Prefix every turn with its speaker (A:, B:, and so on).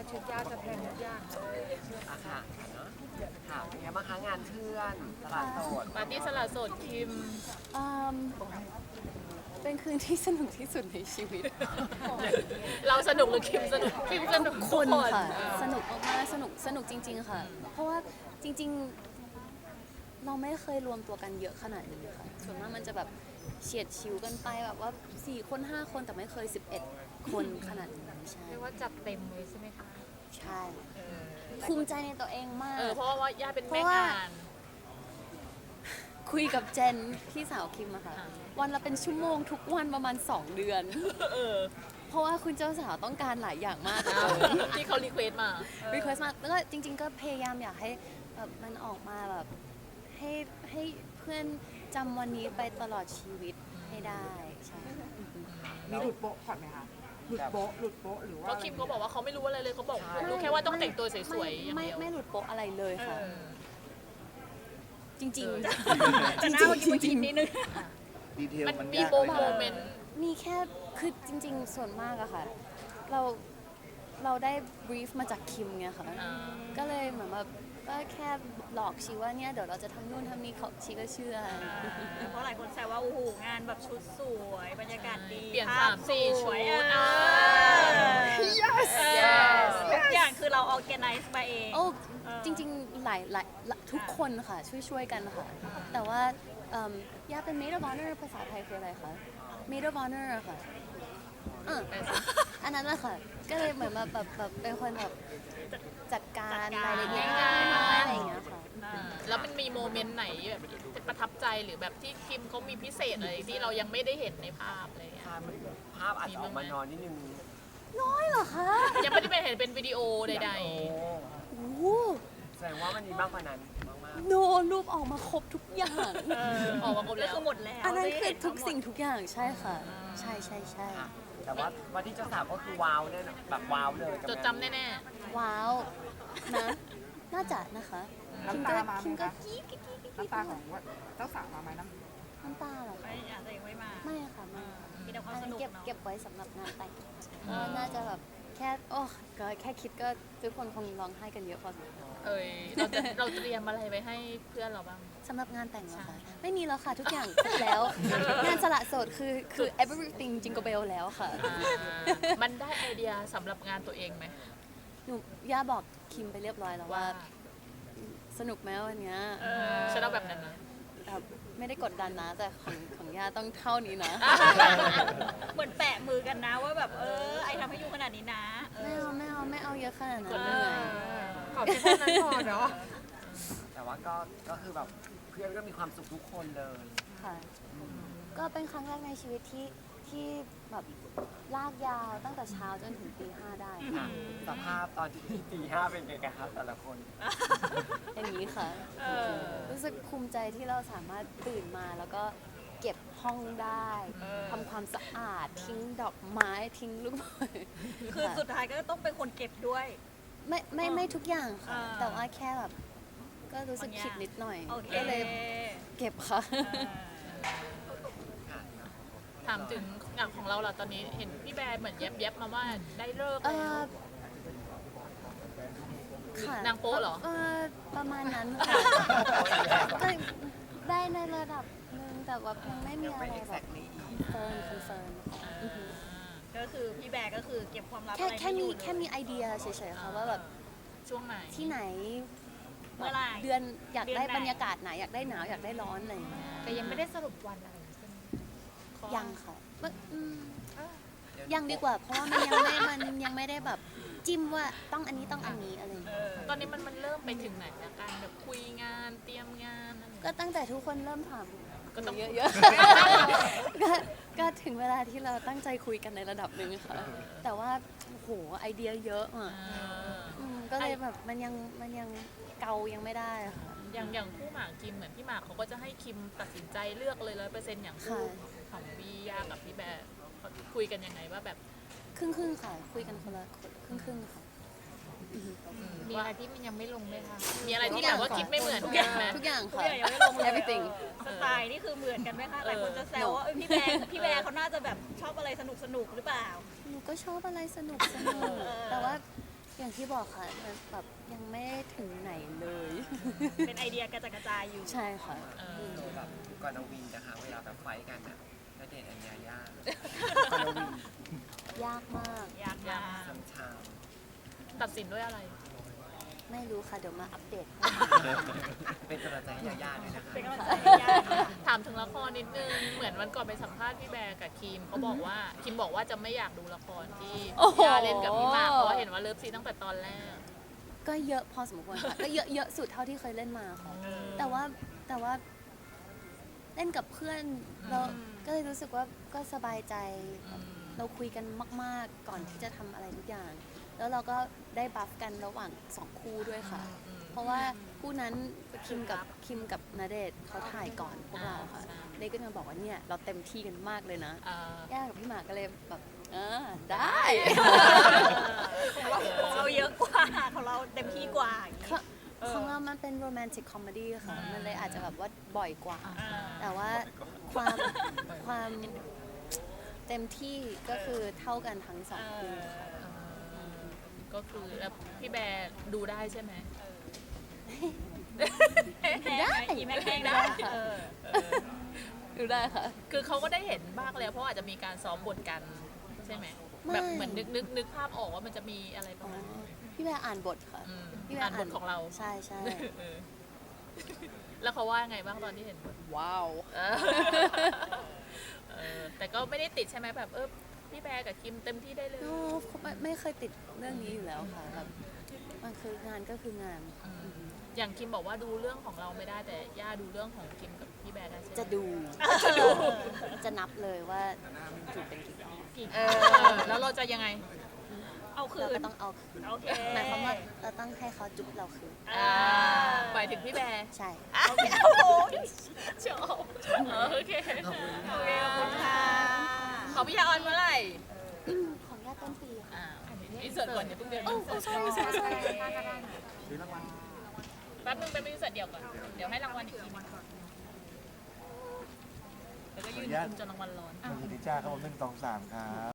A: ชุดยากจะแพงทุกอย่างเลย
B: อะค่ะเนอะค่ะเป็นไงบ้างคะงานเพื่อนตลาดโสด
A: ปาร์ตี้สละโสดคิม
C: อืมเป็นคืนที่สนุกที่สุดในชีวิต
A: เราสนุกหรือคิมสนุกคิมสนุก
C: คน
A: ทุก
C: ค่ะ
A: เออ
C: สนุกมากๆสนุกจริง ๆ ค่ะ เพราะว่าจริง ๆ เราไม่เคยรวมตัวกันเยอะขนาดนี้ค่ะ ส่วนมากมันจะแบบเฉียดชิวกันไปแบบว่า4 คน 5 คนแต่ไม่เคย11 คนขนาดนี้ใช่
A: เรียกว่าจัดเต็มเลยใช่ไหมคะ
C: ใช่ภูมิใจในตัวเองมาก
A: เพราะว่าย่าเป็น
C: เพ
A: แม่
C: ราะว่า
A: งาน
C: คุยกับเจนพี่สาวคิมอะค่ะ
A: อ่า
C: วันละเป็นชั่วโมงทุกวันประมาณ 2 เดือน เพราะว่าคุณเจ้าสาวต้องการหลายอย่างมาก
A: ที่เขารีเควสมา
C: รีเควสมากแล้วก็จริง ๆ ก็พยายามอยากให้แบบมันออกมาแบบให้เพื่อนจำวันนี้ไปตลอดชีวิตให้ได้ใช่
D: มีหลุดโป๊ะก่อนไหมคะหลุดโป๊ะหรือว่า
A: เพราะคิมเขาบอกว่าเขาไม่รู้อะไรเลยเขาบอกรู้แค่ว่าต้องแต่งตัวสวยๆอย่าง
C: ไม่
A: เดียว
C: ไม่หลุดโป๊ะอะไรเลยค่ะ จริง
A: เออ
C: ๆ
E: แต่หน้าเมื่อกี้มันคิดนิดนึง
F: ดีเทล
A: มัน
F: มัน
A: มี
F: ยาก
A: โม
F: ไหม
A: เมนต์
C: มีแค่คือจริง ๆ ส่วนมากอะค่ะ เราได้ brief มาจากคิมไงค่ะ ก็เลยเหมือนแบบก็แค่หลอกชีว่าเนี่ยเดี๋ยวเราจะทำนู่นทำนี่เขาชีก็เชื่อ
E: เพราะหลายคนแซวว่าโอ้โหงานแบบชุดสวยบรรยากาศดี
A: เปลี่ยน
E: ภาพ
A: 3-4
E: สวย
A: ชุด
E: yes
A: yes
E: ทุกอย่างคือเรา organize มาเอง
C: โอ้จริงๆหลายทุกคนค่ะช่วยกันค่ะ แต่ว่าย่าเป็น maid of honor ภาษาไทยคืออะไรคะ maid of honor อะค่ะอันนั้นแหละค่ะ ก็เลยเหมือนแบบเป็นคนแบบจัดการรายละเอียดน้อยๆอะไรอย่างเงี้ยค่ะ
A: แล้วมันมีโมเมนต์ไหนแบบประทับใจหรือแบบที่คิมเขามีพิเศษอะไรที่เรายังไม่ได้เห็นในภาพอะไรอย่างเงี้ย
B: ภาพอาจจะออกมานอนนิดนึง
C: น้อยเหรอคะ
A: ยังไม่ได้ไปเห็นเป็นวิดีโอใด
B: โอ้
C: โอ้โห
B: แสดงว่ามันมีมากกว่านั้นมาก
C: โนรูปออกมาครบทุกอย่าง
A: ๆออกมาครบ
E: แล้
A: แล้ว ว
E: คือหมดแล้ว
C: อันนั้น
E: ได้
C: คือ
E: เห็
C: ทุก
E: ทั้หมด
C: สิ่งทุกอย่างใช่ค่ะ ใช่ใช่ใช่
B: ๆค่ะแต่ว่าวันที่เจ้าสาวก็คือว้าวแน่นอนแบบว้าวเลยกับ
A: จดจำแน่
C: ว้าวนะ น่าจะนะคะคิม
D: น้ำ
C: ก็
D: ตามาไห
C: คิ
D: ม
C: มก็
D: คะ
C: กี้กี้กี้กี้
D: น้ำตาของเจ้าสาวมาไหมน้ำ
C: น้ำตาเหรอ
E: ไม่อาจจะยังไม่มา
C: ไม่ค่ะไม่
E: มีแต่ความ
C: อัน
E: ส
C: นั้น
E: นุก
C: เก็บ
E: เนาะ
C: เก็บไว้สำหรับงานแต่งเพราะว่าน่าจะแบบแค่โอ้ก็แค่คิดก็ทุกคนคงร้องไห้กันเยอะพอสมควร
A: ๆเราเตรียมอะไรไว้ให้เพื่อนเราบ้าง
C: สำหรับงานแต่งเหรอ
A: ใช่
C: คะไม่มีแล้วค่ะทุกอย่างครบแล้ว งานสละโสดคือ everything jingle bell แล้วค่ะ
A: มันได้ไอเดียสำหรับงานตัวเองไหม
C: หนูย่าบอกคิมไปเรียบร้อยแล้วว่า สนุกไหมวันเนี้ย
A: ฉันเอาแบบนั้นนะ
C: แบบไม่ได้กดดันนะ แต่ของย่าต้องเท่านี้นะ
E: เหมือนแปะมือกันนะว่าแบบไอทำให้ยูขนาดนี้นะ
C: ไม่เอาเยอะขนาดนั้นเหนื่อย
A: ขอแค่นั้นพอเนาะ
B: แต่ว่าก็คือแบบเพื่อนก็มีความสุขทุกคนเลย
C: ค่ะ ก็เป็นครั้งแรกในชีวิตที่แบบลากยาวตั้งแต่เช้าจนถึงตี 5ได้
B: ค่ะสภาพตอนที่ตีห้าเป็นไงกันครับแต่ละคน
C: อย่างนี้ค่ะ รู้สึกภูมิใจที่เราสามารถตื่นมาแล้วก็เก็บห้องได้ทำความสะอาดทิ้งดอกไม้ทิ้งลูกบอล
E: คือสุดท้ายก็ต้องเป็นคนเก็บด้วย
C: ไม่ทุกอย่างค่ะ
E: อ่า
C: แต่ว่าแค่แบบก็รู้สึกผิดนิดหน่อย
E: โอเค
C: ก็เลยเก็บค่ะ
A: ถามถึงงานของเราล่ะตอนนี้เห็นพี่แบร์เหมือนแยบๆมาว่าได้เลิก
C: เอ
A: แล้ว
C: อค่ะ
A: นางโป๊ะเหรอ
C: ประมาณนั้นค่ะก็ได้ในระดับหนึ่งแต่ว่ายังไม่มีอะไรแบบคอนเฟิร์ม
E: ก็คือพี่แบร์ก็คือเก็บความลับ
C: แค่
E: อะไร
C: แค่
E: ไม่อ
C: มี
E: ยู่เลย
C: แค่มีไอเดียเฉยๆค่ะว่าแบบ
A: ช่วงไหน
C: ที่ไหน
E: เมื่อไหร่
C: เดือนอยากได้
E: เดือนไหน
C: บรรยากาศไหนอยากได้หนาวอยากได้ร้อนอะไรอย่างเงี้ย
A: แต่ยังไม่ได้สรุปวันอะไรใช่ไหม
C: ยังค่ะยังดีกว่า เพราะว่ามันยังไม่ได้แบบจิ้มว่าต้องอันนี้ต้องอันนี้อะไรอย่างเงี้ย
A: ตอนนี้มันเริ่มไปถึงไหนแล้วการแบบคุยงานเตรียมงานอะไรอย่าง
C: ก็
A: เงี้ย
C: ตั้งแต่ทุกคนเริ่มถาม
A: ก็ต้อง
C: เยอะๆ ก็ถึงเวลาที่เราตั้งใจคุยกันในระดับหนึ่งค่ะ แต่ว่าโอ้โหไอเดียเยอะอ่ะก็เลยแบบมันยังเกายังไม่ได้อะค่ะ
A: อย่างคู่หมากคิมเหมือนพี่หมากเขาก็จะให้คิมตัดสินใจเลือกเลย100%อย่างคู่
C: ค่ะ
A: ของพี่ยากับพี่แบร์เขาคุยกันยังไงว่าแบบ
C: ครึ่งค่ะ คุยกันคนละครึ่งค่ะ
A: มีอะไรที่มันยังไม่ลงไหมคะมีอะไรที่แบบว่าคิดไม่เหมือนกันไหม
C: ทุกอย่าง
E: ทุก
C: ค่ะ
E: อย่างยังไม่ลงเลย
C: everything
E: สไตล์นี่คือเหมือนกันไหมคะหลายคนจะแซวว่าพี่แบร์เขาน่าจะแบบชอบอะไรสนุกหรือเปล่า
C: หนูก็ชอบอะไรสนุกแต่ว่าอย่างที่บอกค่ะมันแบบยังไม่ถึงไหนเลย
E: เป็นไอเดียกระจัดกระจายอยู่
C: ใช่ค่ะ
B: แบบก่อนน้องวินนะคะเวลาแบบไฟท์กันอะณเดชน์อัญญายาก่อนน้องวิน
C: ยากมาก
E: ยากมาก
B: ซ้ำชาม
A: ตัดสินด้วยอะไร
C: ไม่รู้ค่ะ เดี๋ยวมาอัปเดต
B: เป็นกำลังใจให้ยาย่าด้วยนะคะ
E: เป็นกำลังใจให้ยากค่ะ
A: ถามถึงละครนิดนึง เหมือนวันก่อนไปสัมภาษณ์พี่แบร์กับคิมเขาบอกว่าคิมบอกว่าจะไม่อยากดูละครที่
C: โอ้โห
A: ย่าเล่นกับพี่หมากเพราะว่าเห็นว่าเลิฟซีนตั้งแต่ตอนแรก
C: ก็เยอะพอสมควรค่ะ ก็เยอะสุดเท่าที่เคยเล่นมาค่ะ แต่ว่าเล่นกับเพื่อนเราก็เลยรู้สึกว่าก็สบายใจแบบเราคุยกันมาก ๆ ก่อนที่จะทำอะไรทุกอย่าง แล้วเราก็ได้บัฟกันระหว่างสองคู่ด้วยค่ะ เพราะว่าคู่นั้นคิมกับณเดชน์เขาถ่ายก่อนพวกเราค่ะ
A: ใช่
C: เนยก็จะบอกว่าเนี่ยเราเต็มที่กันมากเลยนะ
A: อ่า
C: ย่ากับพี่หมากก็เลยแบบได้
E: ของเราเยอะกว่าของเราเต็มที่กว่าอย่างงี้
C: ของเรามันเป็นโรแมนติกคอมเมดี้ค่ะ มันเลยอาจจะแบบว่าบ่อยกว่า
E: อ่า
C: แต่ว่าความเต็มที่ก็คือเท่ากันทั้งสองคู่ค่ะ
A: ก็คือแล้วพี่แบร์ดูได้ใช่ไหม
E: ได้ยิ้มแห้งๆได้เออ
C: ดูได้ค่ะ
A: คือเขาก็ได้เห็นบ้างแล้วเพราะอาจจะมีการซ้อมบทกันใช่ไหม
C: ไม่
A: แบบเหมือนนึกภาพออกว่ามันจะมีอะไรประมาณนี้
C: พี่แบร์อ่านบทค่ะ
A: อืม
C: พี่แบ
A: อ่าน
C: ร์
A: บทของเรา
C: ใช่ใช่
A: เออแล้วเขาว่าไงบ้างตอนที่เห็นบท
C: ว้าว
A: แต่ก็ไม่ได้ติดใช่ไหมแบบพี่แบร์กับคิมเต็มที่ได้เลย
C: ไม่เคยติดเรื่องนี้อยู่แล้วค่ะแบบมันคืองานก็คืองาน
A: อย่างคิมบอกว่าดูเรื่องของเราไม่ได้แต่ย่าดูเรื่องของคิมกับพี่แบร์ได้ใช่ไหม
C: จะดู จะนับเลยว่าถูกเป็นกี่รอบ
A: แล้วเราจะยังไง
E: เอาคื
C: เรา
E: น
C: ก็ต้องเอาคืน
E: โอเค
C: หมายความว่าเราต้องให้เขาจุ๊บเราคืน
A: หมายถึงพี่แบร์
C: ใช่
E: โอเคโอ้โห
A: ชอบโอเค
B: ขอบคุณ
E: โอ
B: ค่ะ
E: เคขอบคุณค่ะ
A: ของพี่ยาออนเมื่อไหร่
C: ของญาติต้นปีค่ะ
A: อินเสิร์ตก่อนอย่าเพิ่งเดิน
C: โอ้ใช่ใช่ใช่
A: แป๊บนึงไปอินเสิร์ตเดียวก่อน เดี๋ยวให้รางวัลอีกทีนึงแล้วก็ยืนคุมจนรางวัลร้อน
F: คุณนิจ้าครับผม1 2 3ครับ